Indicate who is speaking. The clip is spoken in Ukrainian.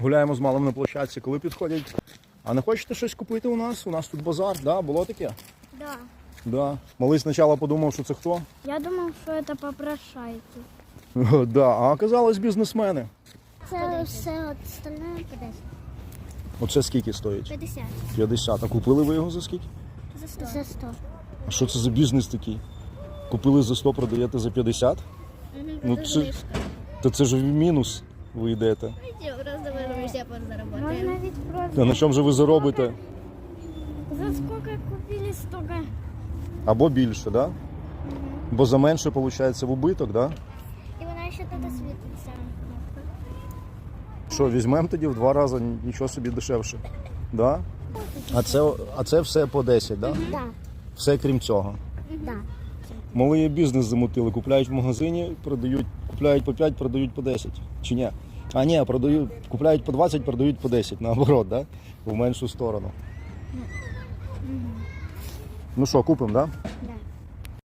Speaker 1: Гуляємо з малим на площадці, коли підходять. А не хочете щось купити у нас? У нас тут базар, да? Було таке?
Speaker 2: Да.
Speaker 1: Да. Малий спочатку подумав, що це хто?
Speaker 2: Я думав, що це попрошайки.
Speaker 1: Да. А оказалось бізнесмени.
Speaker 2: Це все остальне по 10.
Speaker 1: Оце скільки стоїть?
Speaker 2: 50.
Speaker 1: 50. А купили ви його за скільки?
Speaker 2: За 100. За 100.
Speaker 1: А що це за бізнес такий? Купили за 100, продаєте за 50? Ну це ж в мінус ви йдете.
Speaker 2: Можна ведь просто.
Speaker 1: А на чому же ви заробите?
Speaker 2: За сколько купили, столько.
Speaker 1: Або більше, да? Бо за менше, виходить, в убиток, да?
Speaker 2: І вона ще тут світиться.
Speaker 1: Що, візьмемо тоді в 2 рази, нічого собі дешевше. Да? А це все по 10, да?
Speaker 2: Да.
Speaker 1: Все крім цього.
Speaker 2: Да.
Speaker 1: Малий бізнес замутили, купляють в магазині, продають, купляють по 5, продають по 10. Чи ні? А ні, продають, купляють по 20, продають по 10, наоборот, да? В меншу сторону. Ну що, купимо, да?
Speaker 2: Да.